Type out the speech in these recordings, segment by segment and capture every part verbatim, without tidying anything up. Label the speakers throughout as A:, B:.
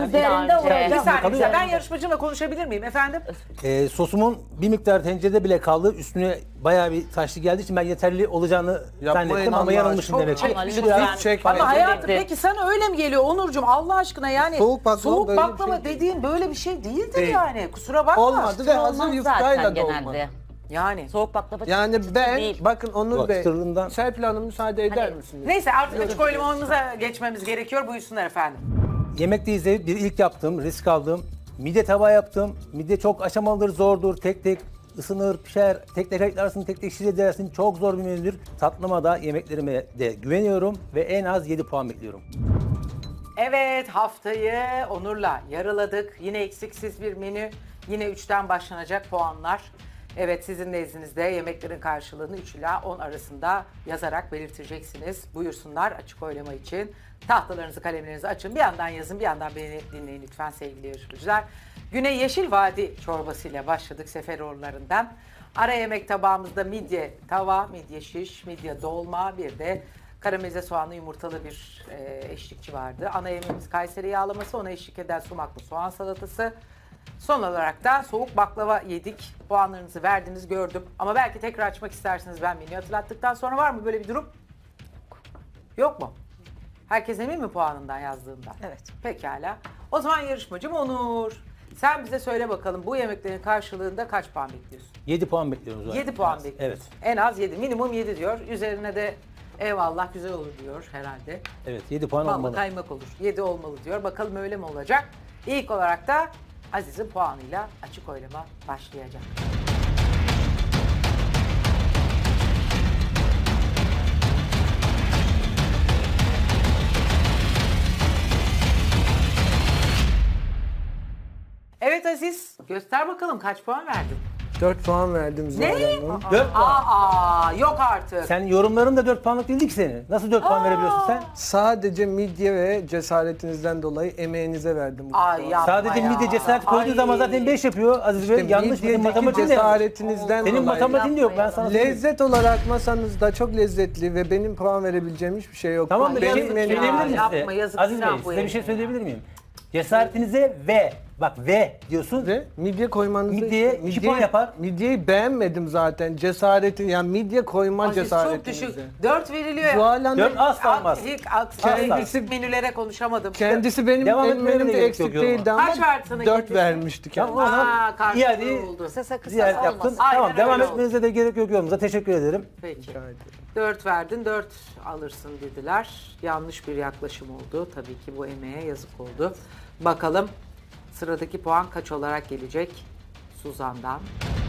A: üzerinde
B: önce.
A: olacak.
C: Bir saniye,
D: Tabii.
C: güzel. Ben yarışmacımla konuşabilir miyim efendim?
D: Ee, sosumun bir miktar tencerede bile kaldı. Üstüne bayağı bir taşlı geldiği için ben yeterli olacağını
E: Yapmayın
D: zannettim ama
E: Allah
D: yanılmışım
E: aşkına.
D: demek ki.
C: Çok
B: Ama
C: çekmiş
B: lütfen.
C: ya.
E: Çekme.
C: Ama hayatım
B: Dedi.
C: peki sana öyle mi geliyor Onurcuğum Allah aşkına yani
E: Soğuk baklava
C: soğuk
E: böyle bir
C: baklava
E: şey değil.
C: dediğin böyle bir şey değildir
E: Değil.
C: yani kusura bakma.
E: Olmadı ve hazır
B: Olmaz
E: yufkayla
B: zaten
E: da olmadı.
B: genelde.
C: Yani.
B: Soğuk baklava
E: Yani
B: çıtır
E: ben,
B: değil.
E: bakın Onur
D: Bak,
E: Bey,
D: çıtırlığından-
E: Serpil Hanım müsaade eder
B: Hani-
E: misiniz?
C: Neyse artık açık oylamamıza geçmemiz gerekiyor. Buyursunlar efendim.
D: Yemekteyiz de bir ilk yaptım, risk aldım. Midye tava yaptım. Midye çok aşamalıdır, zordur. Tek tek ısınır, pişer. Tek tek ayıklarsın, tek tek şiş edersin. Çok zor bir menüdür. Tatlıma da, yemeklerime de güveniyorum ve en az yedi puan bekliyorum.
C: Evet haftayı Onur'la yarıladık. Yine eksiksiz bir menü. Yine üçten başlanacak puanlar. Evet sizin nezdinizde yemeklerin karşılığını üç ila on arasında yazarak belirteceksiniz. Buyursunlar açık oylama için. Tahtalarınızı kalemlerinizi açın. Bir yandan yazın bir yandan beni dinleyin lütfen sevgili yarışmacılar. Güne Yeşil Vadi çorbasıyla başladık Seferoğulları'ndan. Ara yemek tabağımızda midye tava, midye şiş, midye dolma bir de karamelize soğanlı yumurtalı bir e, eşlikçi vardı. Ana yemeğimiz Kayseri yağlaması, ona eşlik eden sumaklı soğan salatası. Son olarak da soğuk baklava yedik. Puanlarınızı verdiğinizi gördüm. Ama belki tekrar açmak isterseniz ben menüyü hatırlattıktan sonra var mı böyle bir durum? Yok mu? Herkes emin mi puanından yazdığından?
A: Evet.
C: Pekala. O zaman yarışmacım Onur. Sen bize söyle bakalım bu yemeklerin karşılığında kaç puan bekliyorsun?
D: yedi puan bekliyorum zaten.
C: yedi puan
D: Evet.
C: bekliyorsun. En az yedi. Minimum yedi diyor. Üzerine de eyvallah güzel olur diyor herhalde.
D: Evet, yedi puan
C: Ballı
D: olmalı.
C: kaymak olur. yedi olmalı diyor. Bakalım öyle mi olacak? İlk olarak da Aziz'in puanıyla açık oylama başlayacak. Evet Aziz, göster bakalım kaç puan verdin?
E: dört puan verdim Zuhal
C: Ne?
E: Hanım.
D: dört puan.
C: Aa, yok artık.
D: Sen yorumların da dört puanlık değildi ki senin. Nasıl dört puan verebiliyorsun sen?
E: Sadece midye ve cesaretinizden dolayı emeğinize verdim bu
C: Ay
E: puanı.
C: yapma
D: Sadece
C: ya.
D: midye cesaret koyduğu
C: Ay.
D: zaman zaten beş yapıyor Aziz Bey.
E: İşte
D: Yanlış, benim
E: midyedeki
D: matematiğim de yanlış.
E: cesaretinizden
D: Senin
E: dolayı.
D: matematiğin de yok, ben sana söyleyeyim.
E: Lezzet olarak masanızda çok lezzetli ve benim puan verebileceğim hiçbir şey yok.
D: Tamam da
E: benim
D: yazık,
E: menüm-
D: söyleyebilir miyim
C: Yapma,
D: size?
C: yazık,
D: Aziz Bey,
C: günah bu
D: size bir şey
C: herifin
D: söyleyebilir miyim? Cesaretinize ve, bak ve diyorsun.
E: Ve midye koymanızı...
D: Midyeye iki
E: midyeyi-
D: puan yapar.
E: Midyeyi beğenmedim zaten. Cesaretin, yani midye koyma
C: Aziz çok
E: cesaretinize.
C: düşük. dört veriliyor.
E: Zuhal Hanım
D: Dört asla olmaz.
C: İlk aks-
E: Kendisi-
C: eksik menülere konuşamadım.
E: kendisi benim
D: Devam
E: benim
D: etmeye de
E: menümde
D: gerek
E: eksik
D: yok yoruma.
E: değildi ama
C: Kaç verdi sana
E: dört
C: kendisi?
E: vermişti kendisi.
D: Tamam, o zaman
C: Aa, karşılığı
D: iade
C: oldu.
A: Kısasa kısasa
D: ziyaret
A: olmasın.
D: yaptın.
C: Aynen
D: Tamam,
C: öyle
D: devam
C: oldu.
D: etmenize de gerek yok yorumunuza. Teşekkür ederim.
C: Peki.
E: Rica ederim.
C: dört verdin, dört alırsın dediler. Yanlış bir yaklaşım oldu. Tabii ki bu emeğe yazık oldu. Bakalım sıradaki puan kaç olarak gelecek Suzan'dan?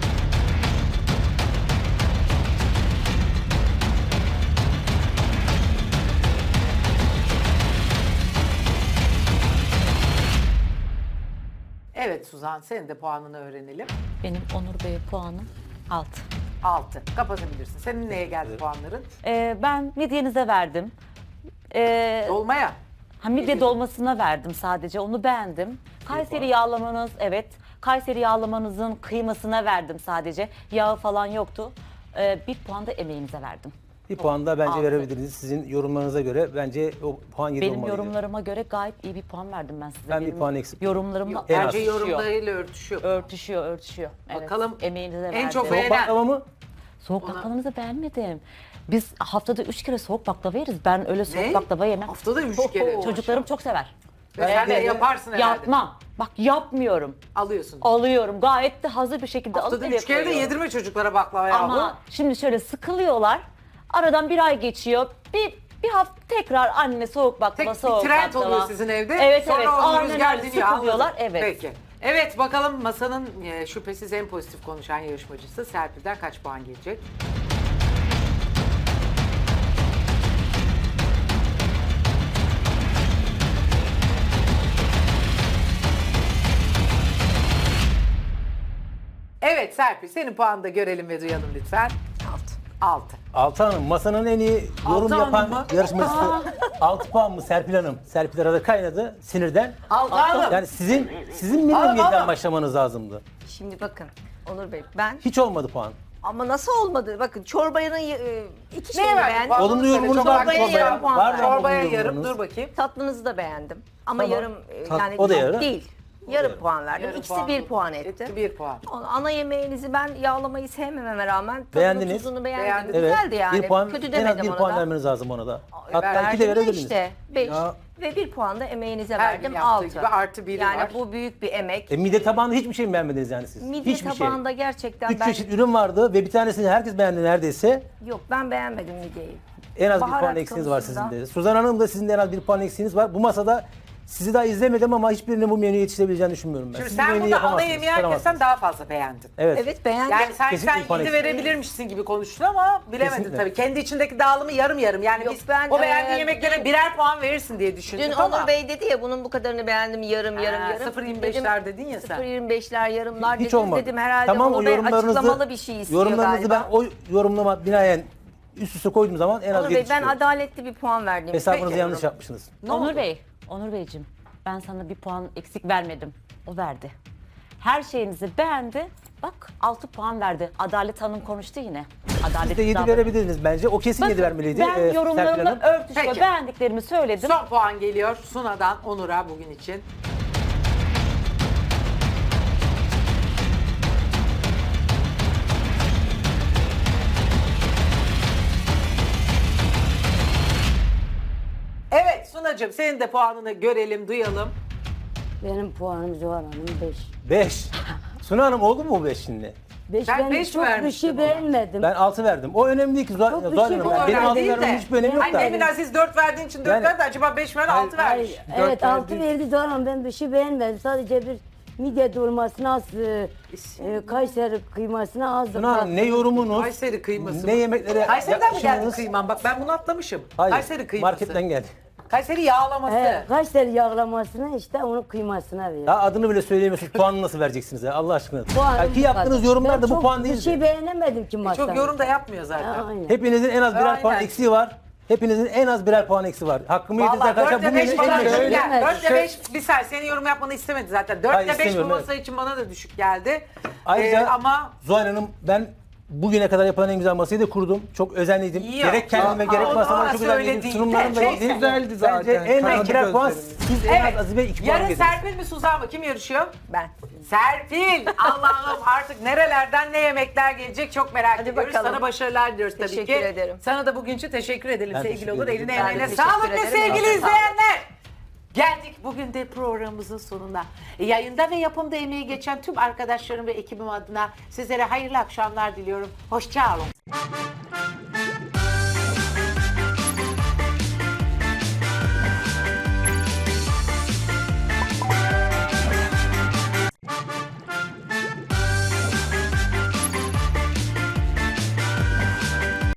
C: Evet Suzan, senin de puanını öğrenelim.
B: Benim Onur Bey'e puanım altı.
C: altı. Kapatabilirsin. Senin neye geldi puanların?
B: Ee, ben midyenize verdim. Ee,
C: Dolmaya.
B: ha, midye dolmasına verdim sadece, onu beğendim. Kayseri yağlamanız, evet. Kayseri yağlamanızın kıymasına verdim sadece. Yağı falan yoktu. Ee, bir puan da emeğinize verdim.
D: Bir puan da bence
B: Altı.
D: verebilirdiniz. Sizin yorumlarınıza göre bence o puan yedi
B: Benim
D: olmalıydı.
B: yorumlarıma göre gayet iyi bir puan verdim ben size.
D: Ben bir
B: Benim
D: puan eksik.
B: Yorumlarımla
D: En az.
C: Bence
B: örtüşüyor.
C: yorumlarıyla örtüşüyor.
B: Örtüşüyor, örtüşüyor. Evet,
C: Bakalım
B: emeğinize
C: en
B: verdim.
C: çok
D: Soğuk
C: beğenen.
D: baklava mı?
B: Soğuk baklavamızı beğenmedim. Biz haftada üç kere soğuk baklava yeriz. Ben öyle soğuk
C: Ne?
B: baklava yemem.
C: Haftada üç kere.
B: Çocuklarım çok sever.
C: Ve sen de yaparsın herhalde.
B: Yapmam. Bak yapmıyorum.
C: Alıyorsun.
B: Alıyorum. Gayet de hazır bir şekilde
C: Haftada
B: alıp eve
C: üç kere de
B: koyuyorum.
C: yedirme çocuklara baklava yahu.
B: Ama şimdi şöyle sıkılıyorlar. Aradan bir ay geçiyor. Bir bir hafta tekrar anne soğuk baklava,
C: Tek bir
B: soğuk
C: trend
B: baklava.
C: oluyor sizin evde.
B: Evet
C: Sonra
B: evet.
C: o
B: Aynen
C: rüzgar
B: öyle.
C: diniyor.
B: Sıkılıyorlar.
C: Anladım.
B: Evet.
C: Peki. Evet bakalım masanın e, şüphesiz en pozitif konuşan yarışmacısı Serpil'den kaç puan gelecek? Evet Serpil senin puanını da görelim ve duyalım lütfen. Altı. Altı.
D: Altı Hanım, masanın en iyi yorum
C: Altı Hanım
D: yapan
C: mı?
D: yarışmacısı. altı puan mı Serpil Hanım? Serpil arada kaynadı sinirden.
C: Altı Hanım.
D: Yani sizin sizin minimum
C: Hanım,
D: yediden
C: hanım.
D: başlamanız lazımdı.
A: Şimdi bakın Onur Bey ben
D: Hiç olmadı puan.
A: ama nasıl olmadı? Bakın çorbanın e, iki
C: Neye
A: şeyini
C: verdin
A: beğendim.
C: puan?
D: Olumlu
C: Söyle,
D: yorumunuz
C: çorbaya
D: var mı
A: yarım
D: çorbaya?
A: puan
D: Var mı
A: ver.
C: Çorbaya
D: olumlu
C: yarım
D: yorumunuz?
C: dur bakayım.
A: Tatlınızı da beğendim. Ama
D: Tamam.
A: yarım e,
D: Tat-
A: yani
D: o da
A: çok
D: yarım.
A: değil. Yarım
D: yarım.
A: puan verdim.
C: Yarım
A: İkisi
C: puan
A: bir
C: mı?
A: puan etti.
C: Etti bir puan.
A: Ana yemeğinizi ben yağlamayı sevmememe rağmen tadını
D: Beğendiniz.
A: tuzunu beğendim.
C: Beğendiniz.
D: Evet.
A: Güzeldi yani.
D: Bir puan,
A: Kötü
D: en
A: demedim
D: az bir
A: ona
D: puan
A: da.
D: vermeniz lazım ona da. Hatta
C: verdim
D: iki de
A: Verdim de
D: verebilirdiniz.
A: işte beş
E: Ya.
A: ve bir puan da emeğinize
C: Her gün
A: verdim
C: yaptığı
A: altı.
C: gibi artı biri
A: yani
C: var.
A: bu büyük bir emek.
D: E, mide tabağında hiçbir şey mi beğenmediniz yani siz?
A: Midye
D: Hiçbir şey.
A: tabağında gerçekten
D: Üç
A: ben
D: çeşit ürün vardı ve bir tanesini herkes beğendi neredeyse.
A: yok ben beğenmedim midyeyi.
D: En az bir
A: Baharat
D: puan eksiğiniz var
A: konusunda.
D: sizin de. Suzan Hanım da sizin de en az bir puan eksiğiniz var. Bu masada sizi daha izlemedim ama hiçbirinin bu menüye yetişebileceğini düşünmüyorum ben.
C: Şimdi
D: Siz
C: sen
D: bu menüyü
C: burada ana
D: yapamazsınız,
C: yemeği herkesten
D: çıkaramazsınız.
C: daha fazla beğendin.
D: Evet.
A: Evet beğendim.
C: Yani sanki
D: Kesinlikle
C: sen
D: bir puan
C: yedi
D: eksik.
C: verebilirmişsin gibi konuştun ama bilemedin
D: Kesinlikle.
C: tabii. Kendi içindeki dağılımı yarım yarım. Yani
A: Yok,
C: biz
A: ben,
C: o beğendiğin
A: e,
C: yemeklere birer puan verirsin diye düşündük
A: Dün
C: ama.
A: Onur Bey dedi ya bunun bu kadarını beğendim yarım yarım
C: Ha,
A: yarım.
C: sıfır virgül yirmi beşler dedin ya sen.
A: sıfır virgül yirmi beşler yarımlar
D: Hiç
A: dedim,
D: olmadı.
A: dedim herhalde
D: Tamam,
A: Onur
D: o
A: Bey
D: yorumlarınızı,
A: açıklamalı bir şey istiyor
D: yorumlarınızı
A: galiba.
D: ben o yorumlama binaen üst üste koyduğum zaman en az
A: Onur Bey
D: yedi
A: ben
D: çıkıyor.
A: adaletli bir puan verdim.
D: Hesabınızı
A: Peki.
D: yanlış yapmışsınız.
C: Ne
B: Onur
C: oldu?
B: Bey, Onur Beyciğim ben sana bir puan eksik vermedim. O verdi. Her şeyinizi beğendi. Bak altı puan verdi. Adalet Hanım konuştu yine. Adalet
D: Siz de yedi
B: davranın.
D: verebilirdiniz bence. O kesin
B: Bakın,
D: yedi vermeliydi.
B: Ben
D: e, Serpil
B: yorumlarımla
D: Hanım.
B: örtüşüyor.
C: Peki.
B: Beğendiklerimi söyledim.
C: Son puan geliyor Suna'dan Onur'a bugün için. Evet Suna'cığım senin de puanını görelim, duyalım.
F: Benim puanım Zuhal Hanım beş.
D: beş. Suna Hanım oldu mu bu beş şimdi?
F: beş
C: Sen
F: ben
C: beş mi
F: çok bir
C: vermiştin
F: şey
C: ona?
F: beğenmedim.
D: Ben altı verdim. O önemli değil ki Zuhal
F: Çok bir
D: Zuhal
F: şey
D: Hanım.
F: bu
D: Yani benim
C: önemli
D: altı
C: değil
D: vermemin
C: de.
D: hiçbir önemi yok
C: Hani
D: da.
C: Emin Aziz dört verdiğin için dört
D: Yani-
C: verdi. Acaba beş ver altı vermiş.
F: Hayır, evet
E: Dört
F: altı
E: verdi.
F: verdi Zuhal Hanım, ben bir şey beğenmedim. Sadece bir midye dolmasına az, e, e, Kayseri kıymasına az.
D: Suna Hanım ne yorumunuz,
C: Kayseri kıyması
D: ne
C: mı?
D: yemeklere
C: Kayseri'den mi geldi
D: yaklaşımınız-
C: kıyman? Bak ben bunu atlamışım.
D: Hayır,
C: Kayseri kıyması.
D: marketten geldi.
C: Kayseri yağlaması.
F: He, Kayseri yağlamasına işte onun kıymasına verdi.
D: Ya adını bile söyleyemiyorsunuz. Puanını nasıl vereceksiniz ya Allah aşkına?
F: Puanım
D: Ya ki
F: bu
D: yaptığınız
F: kadar.
D: yorumlar
F: Ben
D: da bu
F: çok
D: puan
F: Bir
D: değil.
F: şey beğenemedim ki masada.
C: Çok yorum da yapmıyor zaten.
F: Aynen.
D: Hepinizin en az birer
C: Aynen.
D: puan eksiği var. Hepinizin en az birer puan eksiği var. Hakkımı yediniz
C: Valla
D: arkadaşlar.
C: dörtte
D: Bu
C: beş
D: menü
C: bana
D: en
C: düşük
D: düşük.
C: geldi.
F: Evet.
C: Dörtte beş bir saniye senin yorum yapmanı istemedi zaten.
D: Hayır,
C: Dörtte beş bu
D: istemiyorum,
C: masa
D: evet.
C: için bana da düşük geldi.
D: Ayrıca
C: Ee, ama
D: Zuhal Hanım ben bugüne kadar yapılan en güzel masayı da kurdum. Çok özenliydim.
C: İyi
D: Gerek kendime
C: ya.
D: gerek
C: Aa,
D: masama
C: ona
D: çok özenliydim.
C: söylediğin
D: Sunumlarım da
C: çok
D: iyiydi.
E: güzeldi zaten.
D: Bence en az
E: Kanadı
D: birer puan
E: gözlerimiz.
D: siz en
C: evet.
D: az Aziz Bey iki puan
C: Yarın
D: yediniz.
C: Serpil mi Suzan mı? Kim yarışıyor?
A: Ben.
C: Serpil! Allah'ım artık nerelerden ne yemekler gelecek çok merak
A: Hadi
C: ediyoruz.
A: bakalım.
C: Sana başarılar diliyoruz tabii ki.
A: Teşekkür ederim.
C: Sana da bugün için teşekkür edelim
D: Ben
C: sevgili
D: teşekkür
C: olur.
D: ederim.
C: Eline
A: Ben de
C: emeğine
A: teşekkür
C: sağlık ve
A: ederim.
C: sevgili
A: Sağ olun.
C: izleyenler. Geldik bugün de programımızın sonuna. E, Yayında ve yapımda emeği geçen tüm arkadaşlarım ve ekibim adına sizlere hayırlı akşamlar diliyorum. Hoşça kalın.